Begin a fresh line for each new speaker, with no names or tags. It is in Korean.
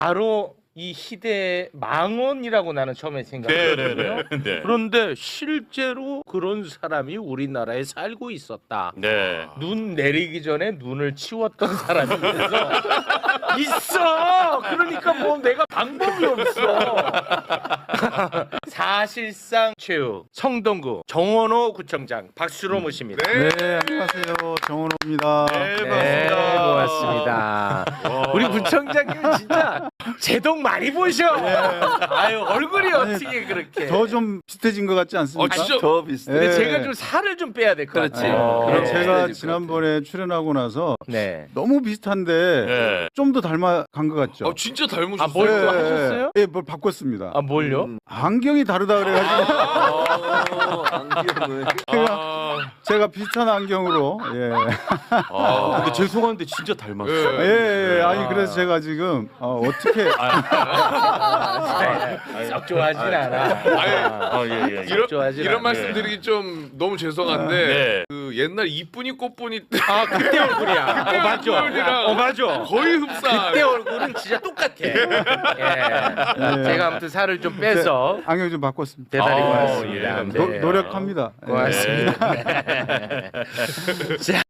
바로 이 희대의 망언이라고 나는 처음에 생각했거든요.
네.
그런데 실제로 그런 사람이 우리나라에 살고 있었다.
네.
눈 내리기 전에 눈을 치웠던 사람이 있어. 그러니까 뭐 내가 방법이 없어. 사실상 최후 성동구 정원호 구청장 박수로 모십니다.
네, 안녕하세요. 정원호입니다.
네,
고맙습니다. 우리 구청장님 진짜 제동 많이 보셔. 아유 얼굴이 어떻게 그렇게?
더 좀 비슷해진 것 같지 않습니까?
진짜
더 비슷해.
근데
네.
제가 좀 살을 좀 빼야 될 것
그렇지.
같아요.
그럼
네.
제가
네.
지난번에 출연하고 나서
네.
너무 비슷한데
네.
좀 더 닮아간 것 같죠?
진짜 닮으셨어요.
아, 뭘 또 하셨어요?
예, 뭘 바꿨습니다.
아 뭘요?
안경이 다르다 그래가지고
안경을.
제가 비슷한 안경으로
근데 죄송한데 진짜 닮았어.
예. 아니 그래서 제가 지금 어떻게
썩 좋아하진 않아.
이런 말씀드리기 좀 너무 죄송한데
네.
그 옛날 이쁜이 꽃분이
아 그때 얼굴이야. 맞아.
얼굴이랑
맞아.
거의 흡사.
그때 얼굴은 진짜 똑같아. 예. 제가 아무튼 살을 좀 빼서
안경 좀 바꿨습니다.
대단히
아,
고맙습니다.
예,
네.
노력합니다.
고맙습니다. 자.